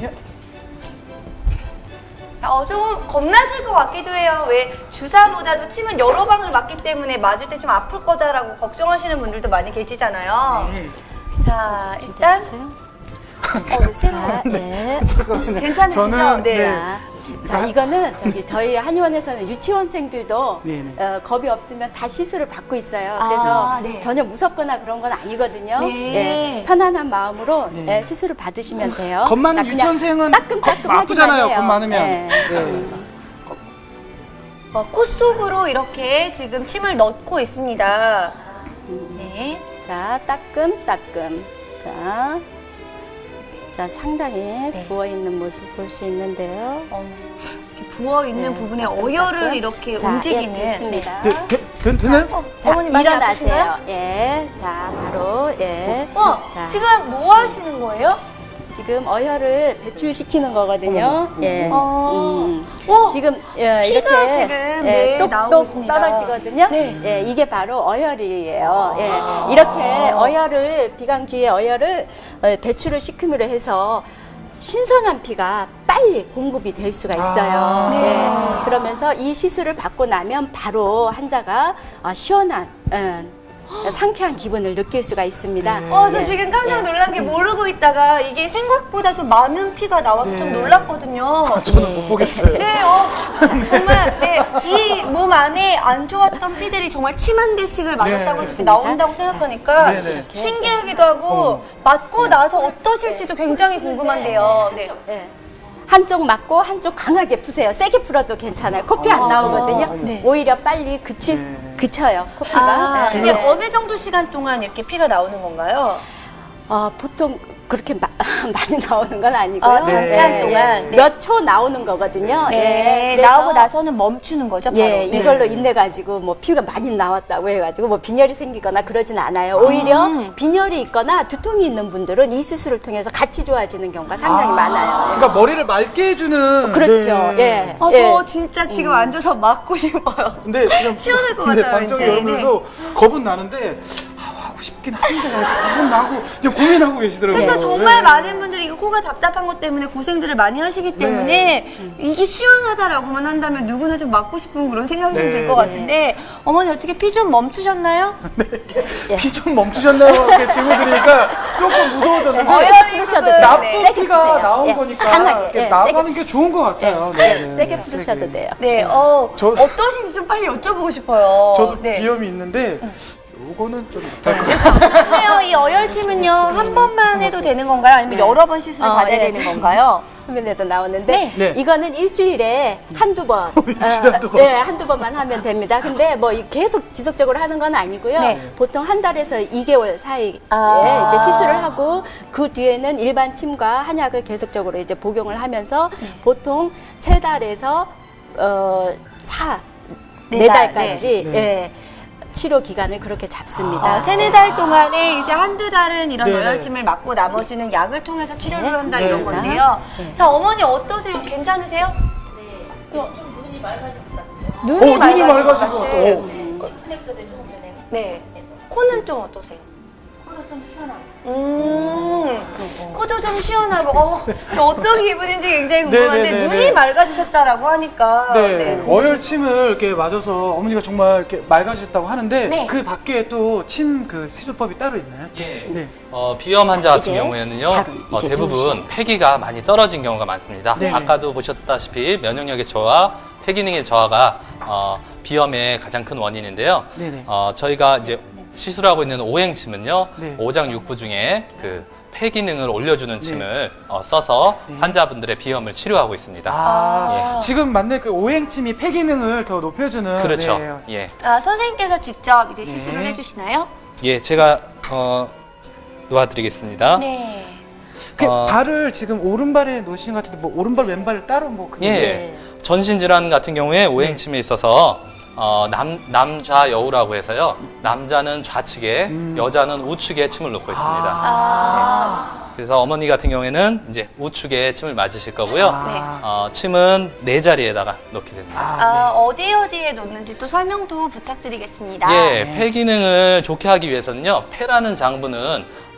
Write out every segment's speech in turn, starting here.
좀 겁나실 것 같기도 해요. 왜 주사보다도 침은 여러 방을 맞기 때문에 맞을 때 좀 아플 거다라고 걱정하시는 분들도 많이 계시잖아요. 네. 자, 일단 네, 새로워. 네. 잠깐만요. 괜찮으시죠? 저는, 네. 자, 이거는 저희 한의원에서는 유치원생들도 네네. 겁이 없으면 다 시술을 받고 있어요. 아, 그래서 네. 전혀 무섭거나 그런 건 아니거든요. 네. 예, 편안한 마음으로 네. 시술을 받으시면 돼요. 겁 많은 그냥 유치원생은 따끔따끔하기만 아프잖아요. 해요. 겁 많으면. 네. 네. 코 속으로 이렇게 지금 침을 넣고 있습니다. 네. 자, 따끔따끔. 자, 상당히 부어있는 모습 볼 수 있는데요. 이렇게 부어 있는 네, 부분에 따끔, 어혈을 따끔. 이렇게 자, 움직이는. 예, 됐습니다. 되나요? 자, 어머니 많이 일어나세요. 아프신가요? 예, 자, 바로, 예. 자, 지금 뭐 하시는 거예요? 지금 어혈을 배출시키는 거거든요. 예. 지금 피가 이렇게 지금, 네, 나오고 똑똑 있습니다. 떨어지거든요. 네. 예, 이게 바로 어혈이에요. 예. 이렇게 어혈을 비강주의 어혈을 배출을 시킴으로 해서 신선한 피가 빨리 공급이 될 수가 있어요. 예. 그러면서 이 시술을 받고 나면 바로 환자가 시원한 상쾌한 기분을 느낄 수가 있습니다. 저 지금 깜짝 놀란 게 모르고 있다가 이게 생각보다 좀 많은 피가 나와서 좀 놀랐거든요. 저는 못 보겠어요. 네, 정말 이 몸 안에 안 좋았던 피들이 정말 침 한 대씩을 맞았다고 이렇게 나온다고 생각하니까 네. 신기하기도 하고 맞고 나서 어떠실지도 굉장히 궁금한데요. 네. 예. 한쪽 맞고 한쪽 강하게 푸세요. 세게 풀어도 괜찮아요. 코피 안 나오거든요. 네. 오히려 빨리 그쳐요. 코피가. 예. 이게 어느 정도 시간 동안 이렇게 피가 나오는 건가요? 보통 그렇게 많이 나오는 건 아니고요. 잠깐 동안. 네. 몇 초 나오는 거거든요. 네, 예. 그래서 나오고 나서는 멈추는 거죠, 바로. 예, 이걸로 인해가지고 뭐 피가 많이 나왔다고 해가지고 뭐 빈혈이 생기거나 그러진 않아요. 오히려 빈혈이 있거나 두통이 있는 분들은 이 수술을 통해서 같이 좋아지는 경우가 상당히 많아요. 그러니까 머리를 맑게 해주는. 그렇죠. 네. 예. 저 진짜 지금 앉아서 맞고 싶어요. 근데 지금 시원할 것 근데 같아요, 방청 이제. 여러분들도 겁은 나는데 하고 싶긴 한데 겁은 나고 그냥 고민하고 계시더라고요. 그래서 정말 네. 많은 분들이 이거 코가 답답한 것 때문에 고생들을 많이 하시기 때문에 이게 시원하다라고만 한다면 누구나 좀 맞고 싶은 그런 생각이 좀 들 것 같은데 어머니 어떻게 피 좀 멈추셨나요? 피 좀 멈추셨나요? 이렇게 질문 드리니까 조금 무서워졌는데 어혈이 풀으셔도 지금, 나쁜 네. 세게 피가 푸세요. 나온 예, 거니까 강하게, 이렇게 예, 나가는 게 좋은 것 같아요. 세게 풀으셔도 돼요. 네, 어떠신지 좀 빨리 여쭤보고 싶어요. 저도 네. 비염이 있는데 요거는 좀 그래요, 이 어혈침은요 한 번만 해도 되는 건가요? 아니면 여러 번 시술을 받아야 예. 되는 건가요? 화면에도 나오는데 네. 이거는 일주일에 한두 번, 한두 번. 예, 한두 번만 하면 됩니다. 근데 뭐 계속 지속적으로 하는 건 아니고요. 네. 보통 한 달에서 2개월 사이에 이제 시술을 하고 그 뒤에는 일반 침과 한약을 계속적으로 이제 복용을 하면서 보통 3달에서 네 달, 4달까지 예, 치료 기간을 그렇게 잡습니다. 세네 달 동안에 이제 한두 달은 이런 네네. 어혈침을 맞고 나머지는 약을 통해서 치료를 한다 네. 이런 네. 건데요. 자, 어머니 어떠세요? 괜찮으세요? 좀 눈이 맑아질 것 같아요. 눈이 눈이 맑아질 것 맑아지고. 같아요. 치맥도를 조금 전에 네. 코는 좀 어떠세요? 코도 좀 시원하고. 코도 좀 시원하고 어떤 기분인지 굉장히 궁금한데 네네네네. 눈이 맑아지셨다라고 하니까 네, 어혈침을 이렇게 맞아서 어머니가 정말 이렇게 맑아지셨다고 하는데 네. 그 밖에 또 침 그 시술법이 따로 있나요? 예. 네. 비염 환자 같은 이제 경우에는요, 바로 이제 대부분 누우시면 폐기가 많이 떨어진 경우가 많습니다. 네. 아까도 보셨다시피 면역력의 저하, 폐기능의 저하가 비염의 가장 큰 원인인데요. 네네. 저희가 이제 시술하고 있는 오행침은요, 네. 오장육부 중에 그 폐기능을 올려주는 침을 써서 환자분들의 비염을 치료하고 있습니다. 지금 맞는 그 오행침이 폐기능을 더 높여주는. 그렇죠. 네. 예. 선생님께서 직접 이제 시술을 해주시나요? 예, 제가 놓아드리겠습니다. 네. 그 발을 지금 오른발에 놓으신 것 같은데 뭐 오른발 왼발을 따로 뭐 그게 예. 전신 질환 같은 경우에 오행침에 있어서 남좌여우라고 해서요. 남자는 좌측에, 여자는 우측에 침을 놓고 있습니다. 그래서 어머니 같은 경우에는 이제 우측에 침을 맞으실 거고요. 침은 네 자리에다가 놓게 됩니다. 어디에 놓는지 또 설명도 부탁드리겠습니다. 예, 폐 기능을 좋게 하기 위해서는요. 폐라는 장부는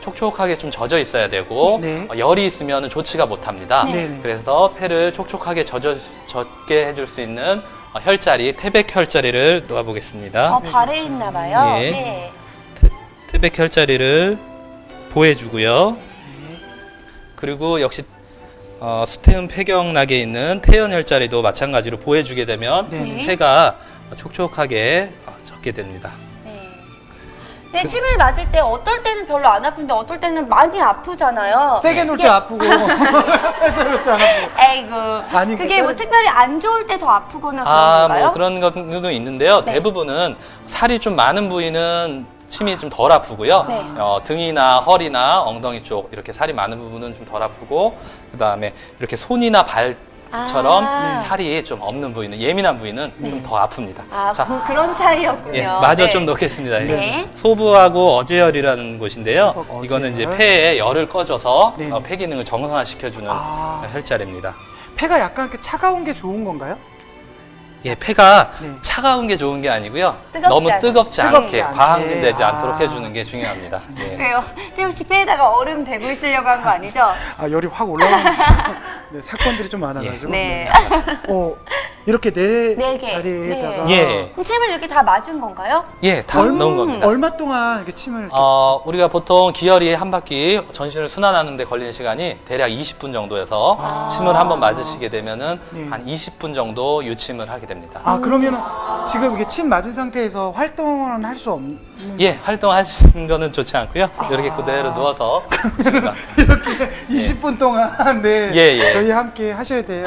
촉촉하게 좀 젖어 있어야 되고 네. 열이 있으면 좋지가 못합니다. 네. 그래서 폐를 촉촉하게 젖게 해줄 수 있는 혈자리, 태백 혈자리를 놓아보겠습니다. 발에 있나 봐요. 예. 네. 태백 혈자리를 보해주고요. 그리고 역시 수태음 폐경락에 있는 태연 혈자리도 마찬가지로 보해주게 되면 네. 폐가 촉촉하게 젖게 됩니다. 근데 침을 맞을 때 어떨 때는 별로 안 아픈데 어떨 때는 많이 아프잖아요. 세게 놀 때 아프고 살살 놀 때 안 아프고. 에이구. 아니, 그게 뭐 특별히 안 좋을 때 더 아프거나 그런 건가요? 뭐 그런 것도 있는데요. 네. 대부분은 살이 좀 많은 부위는 침이 좀 덜 아프고요. 네. 등이나 허리나 엉덩이 쪽 이렇게 살이 많은 부분은 좀 덜 아프고 그다음에 이렇게 손이나 발처럼 살이 좀 없는 부위는 예민한 부위는 좀 더 아픕니다. 자, 그런 차이였군요. 예, 마저 네. 좀 넣겠습니다. 네. 소부하고 어제열이라는 곳인데요. 어제열. 이거는 이제 폐에 열을 꺼줘서 네. 폐 기능을 정상화시켜주는 혈자리입니다. 폐가 약간 이렇게 차가운 게 좋은 건가요? 예, 폐가 네. 차가운 게 좋은 게 아니고요. 뜨겁지 너무 않게. 뜨겁지 뜨겁지 않게, 않게. 과항진되지 않도록 해주는 게 중요합니다. 예. 왜요? 태욱 씨 폐에다가 얼음 대고 있으려고 한 거 아니죠? 열이 확 올라가고 있어요. 네, 사건들이 좀 많아가지고. 네. 이렇게 네 개. 자리에다가. 네. 예. 그럼 침을 이렇게 다 맞은 건가요? 예, 다 넣은 겁니다. 얼마 동안 이렇게 침을 이렇게 우리가 보통 기혈이 한 바퀴 전신을 순환하는 데 걸리는 시간이 대략 20분 정도여서 침을 한번 맞으시게 되면은 네. 한 20분 정도 유침을 하게 됩니다. 그러면은 지금 이게 침 맞은 상태에서 활동은 할 수 없는. 예, 활동하시는 거는 좋지 않고요. 이렇게 그대로 누워서 침을 이렇게 20분 동안 네 예. 저희 함께 하셔야 돼요.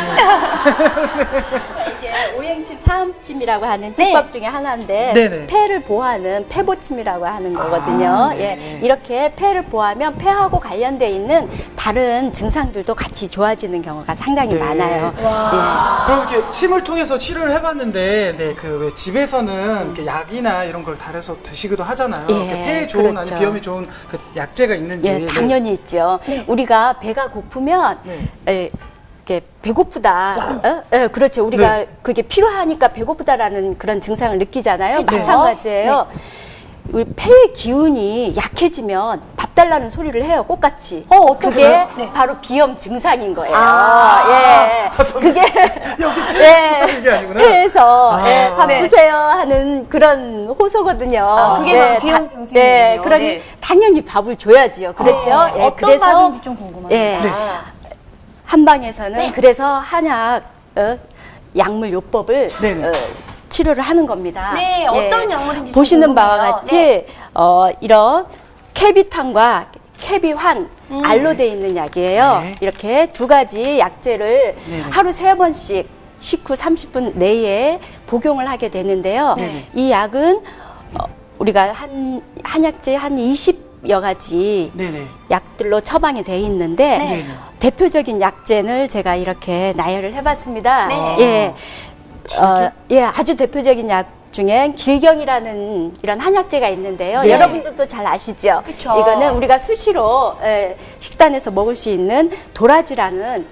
이게 오행침, 사음침이라고 하는 치법 중에 하나인데 네네. 폐를 보호하는 폐보침이라고 하는 거거든요. 네. 이렇게 폐를 보호하면 폐하고 관련돼 있는 다른 증상들도 같이 좋아지는 경우가 상당히 네. 많아요. 그럼 이렇게 침을 통해서 치료를 해봤는데, 그 왜 집에서는 이렇게 약이나 이런 걸 달여서 드시기도 하잖아요. 예, 이렇게 폐에 좋은 그렇죠. 아니 비염에 좋은 그 약재가 있는지. 예, 당연히 있죠. 우리가 배가 고프면 이렇게 배고프다. 그렇죠. 우리가 네. 그게 필요하니까 배고프다라는 그런 증상을 느끼잖아요. 그쵸? 마찬가지예요. 우리 폐의 기운이 약해지면 밥 달라는 소리를 해요. 꽃같이. 그게 바로 비염 증상인 거예요. 그게 이게 아니구나. 폐에서 밥 네. 드세요 하는 그런 호소거든요. 그게 바로 비염 증상이군요. 네, 그러니 네. 당연히 밥을 줘야지요. 그렇죠. 어떤 밥인지 좀 궁금합니다. 예. 한방에서는 그래서 한약 약물 요법을 네네. 치료를 하는 겁니다. 네, 어떤 약물인지 좀 보시는 바와 궁금해요. 같이 네. 이런 캐비탄과 캐비환 알로 돼 있는 약이에요. 네. 이렇게 두 가지 약재를 네네. 하루 3번씩 식후 30분 내에 복용을 하게 되는데요. 네네. 이 약은 우리가 한약재 한 20여 가지 네네. 약들로 처방이 돼 있는데 네네. 대표적인 약재를 제가 이렇게 나열을 해봤습니다. 네. 아주 대표적인 약 중엔 길경이라는 이런 한약재가 있는데요. 네. 여러분들도 잘 아시죠? 그쵸. 이거는 우리가 수시로 식단에서 먹을 수 있는 도라지라는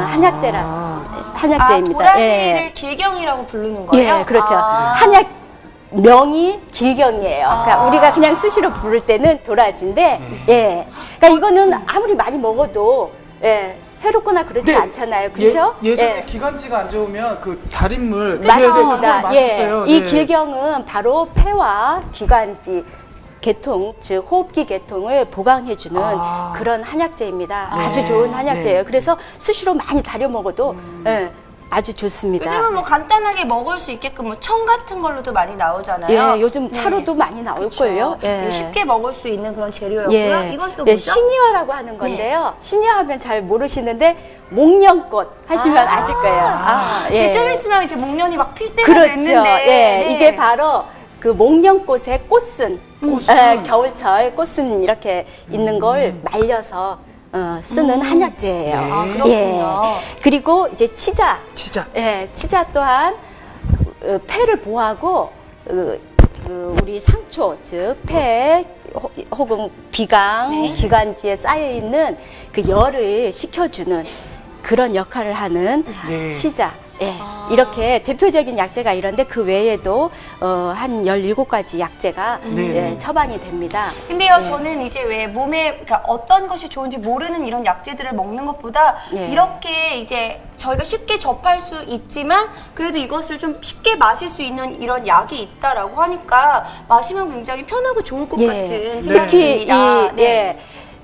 한약재입니다. 도라지를 길경이라고 부르는 거예요? 예, 그렇죠. 한약 명이 길경이에요. 그러니까 우리가 그냥 수시로 부를 때는 도라지인데, 그러니까 이거는 아무리 많이 먹어도 해롭거나 그렇지 네. 않잖아요, 그렇죠? 예전에 기관지가 안 좋으면 그 달인물 맞습니다. 맛있어요. 이 네. 길경은 바로 폐와 기관지 계통, 즉 호흡기 계통을 보강해주는 그런 한약재입니다. 아주 좋은 한약재예요. 그래서 수시로 많이 다려 먹어도 아주 좋습니다. 요즘은 뭐 간단하게 먹을 수 있게끔 뭐 청 같은 걸로도 많이 나오잖아요. 요즘 차로도 많이 나올걸요. 쉽게 먹을 수 있는 그런 재료였고요. 이건 또 뭐죠? 신이화라고 하는 건데요. 신이화하면 잘 모르시는데 목련꽃 하시면 아실 거예요. 좀 있으면 이제 목련이 막 필 때가 그렇죠. 됐는데. 이게 바로 그 목련꽃의 꽃순, 겨울철 꽃순 이렇게 있는 걸 말려서 쓰는 한약재예요. 그렇군요. 그리고 이제 치자. 치자. 치자 또한 폐를 보호하고 우리 상초, 즉 폐 혹은 비강, 기관지에 쌓여 있는 그 열을 식혀주는 그런 역할을 하는 치자. 이렇게 대표적인 약재가 이런데 그 외에도 한 17가지 약재가 예, 처방이 됩니다. 근데요, 예. 저는 이제 왜 몸에 그러니까 어떤 것이 좋은지 모르는 이런 약재들을 먹는 것보다 예. 이렇게 이제 저희가 쉽게 접할 수 있지만 그래도 이것을 좀 쉽게 마실 수 있는 이런 약이 있다라고 하니까 마시면 굉장히 편하고 좋을 것 예. 같은 특히 이 생각입니다. 네. 예,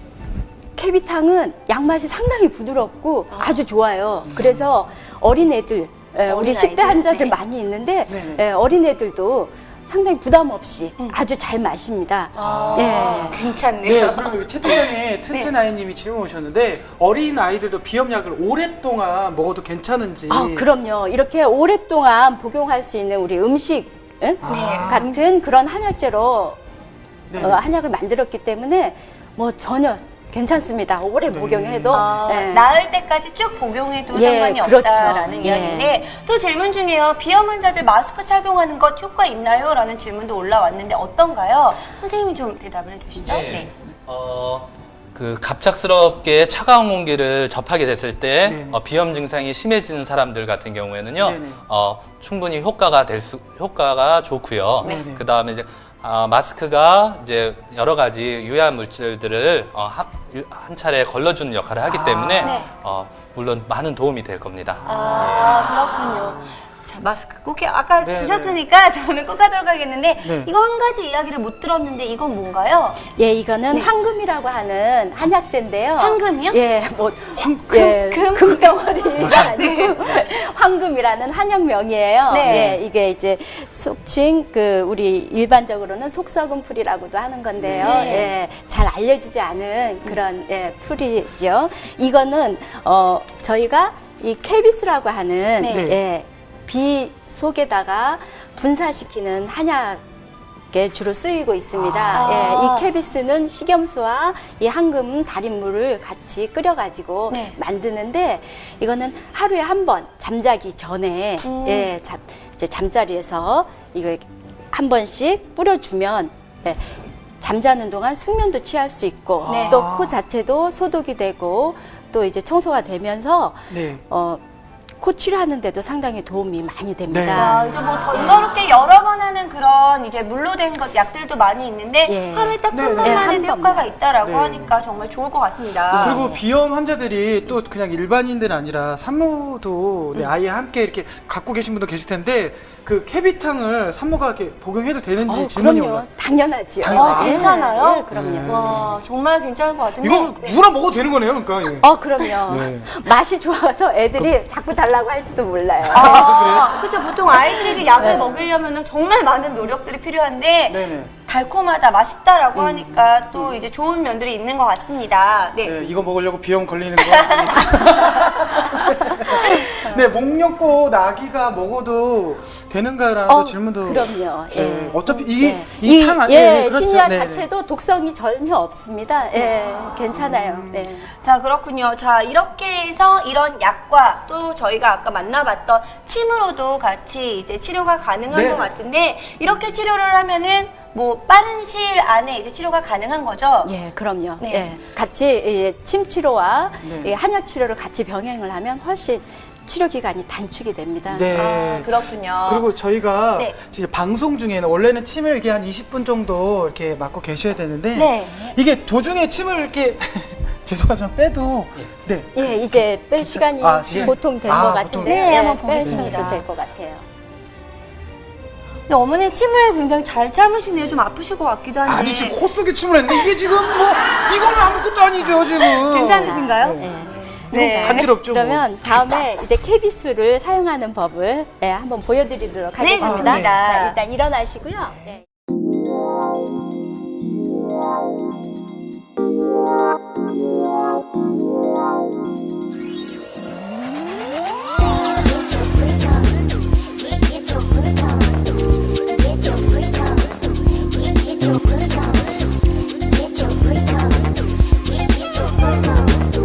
캐비탕은 양맛이 상당히 부드럽고 아주 좋아요. 그래서 어린애들, 우리 10대 어린아이들? 환자들 네. 많이 있는데 네. 어린애들도 상당히 부담 없이 아주 잘 마십니다. 예. 괜찮네요. 네, 그럼 여기 채팅창에 튼튼아이님이 질문 오셨는데 어린 아이들도 비염약을 오랫동안 먹어도 괜찮은지. 아, 그럼요. 이렇게 오랫동안 복용할 수 있는 우리 음식 같은 그런 한약재로 네. 한약을 만들었기 때문에 뭐 전혀 괜찮습니다. 오래 복용해도. 예. 나을 때까지 쭉 복용해도 예, 상관이 그렇죠. 없다라는 예. 이야기인데 또 질문 중에요. 비염 환자들 마스크 착용하는 것 효과 있나요? 라는 질문도 올라왔는데 어떤가요? 선생님이 좀 대답을 해주시죠. 네. 그 갑작스럽게 차가운 공기를 접하게 됐을 때 네. 비염 증상이 심해지는 사람들 같은 경우에는요, 네네. 충분히 효과가 좋고요. 네네. 그 다음에 이제 마스크가 이제 여러 가지 유해한 물질들을 한 차례 걸러주는 역할을 하기 때문에 네. 물론 많은 도움이 될 겁니다. 그렇군요. 자, 마스크 꼭 아까 네, 주셨으니까 저는 꼭 하도록 하겠는데 네. 이거 한 가지 이야기를 못 들었는데 이건 뭔가요? 예, 이거는 황금이라고 하는 한약재인데요. 황금이요? 예, 뭐 황금? 예, 금덩어리가 아니고 황금이라는 한약명이에요. 네. 예, 이게 이제 속칭 그 우리 일반적으로는 속썩은 풀이라고도 하는 건데요. 네. 예, 잘 알려지지 않은 그런 예, 풀이죠. 이거는 저희가 이 케비스라고 하는 네. 예, 비 속에다가 분사시키는 한약에 주로 쓰이고 있습니다. 예, 이 케비스는 식염수와 이 황금 달인물을 같이 끓여가지고 네. 만드는데 이거는 하루에 한 번 잠자기 전에 예, 이제 잠자리에서 이거 한 번씩 뿌려주면 예, 잠자는 동안 숙면도 취할 수 있고 네. 또 코 자체도 소독이 되고 또 이제 청소가 되면서 네. 코 치료하는데도 상당히 도움이 많이 됩니다. 네. 아, 이제 뭐 번거롭게 여러 번 하는 그런 이제 물로 된 것 약들도 많이 있는데 예. 하루에 딱 한 네, 번만 네. 해도 한 효과가 번만. 있다라고 네. 하니까 정말 좋을 것 같습니다. 그리고 비염 환자들이 또 그냥 일반인들 아니라 산모도 아예 함께 이렇게 갖고 계신 분도 계실 텐데 그 캐비탕을 산모가 이렇게 복용해도 되는지 질문이 그럼요. 올라. 당연하지요. 괜찮아요? 예, 그럼요. 와, 정말 괜찮을 것 같은데. 이거 누구나 먹어도 되는 거네요, 그러니까. 예. 그럼요. 네. 맛이 좋아서 애들이 자꾸 달라고 할지도 몰라요. 그렇죠. 보통 아이들에게 약을 먹이려면 정말 많은 노력들이 필요한데 네네. 달콤하다, 맛있다라고 하니까 또 이제 좋은 면들이 있는 것 같습니다. 네. 네, 이거 먹으려고 비염 걸리는 거 아니죠? 네, 목련꽃 아기가 먹어도 되는가라는 또 질문도. 그럼요. 예. 네, 어차피 이게 예. 이 탕 안에 예, 그렇죠. 신약 네, 자체도 독성이 전혀 없습니다. 예, 괜찮아요. 예. 자, 그렇군요. 자, 이렇게 해서 이런 약과 또 저희가 아까 만나봤던 침으로도 같이 이제 치료가 가능한 네. 것 같은데 이렇게 치료를 하면은 뭐 빠른 시일 안에 이제 치료가 가능한 거죠? 예, 그럼요. 네. 예, 같이 침 치료와 네. 한약 치료를 같이 병행을 하면 훨씬 치료 기간이 단축이 됩니다. 네. 아, 그렇군요. 그리고 저희가 네. 지금 방송 중에는 원래는 침을 이렇게 한 20분 정도 이렇게 맞고 계셔야 되는데 네. 이게 도중에 침을 이렇게 죄송하지만 빼도 네. 예, 이제 뺄 시간이 시간. 보통 된 것 보통. 같은데 네, 한번 빼셔도 보겠습니다. 될 것 같아요. 근데 어머님 침을 굉장히 잘 참으시네요. 좀 아프실 것 같기도 한데. 아니 지금 코 속에 침을 했는데 이게 지금 뭐 이거는 아무것도 아니죠 지금. 괜찮으신가요? 네. 네. 간지럽죠. 그러면 다음에 이제 케비스를 사용하는 법을 한번 보여드리도록 네, 하겠습니다. 좋습니다. 자, 일단 일어나시고요. 네.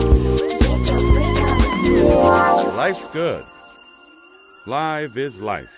Life's good. Live is life.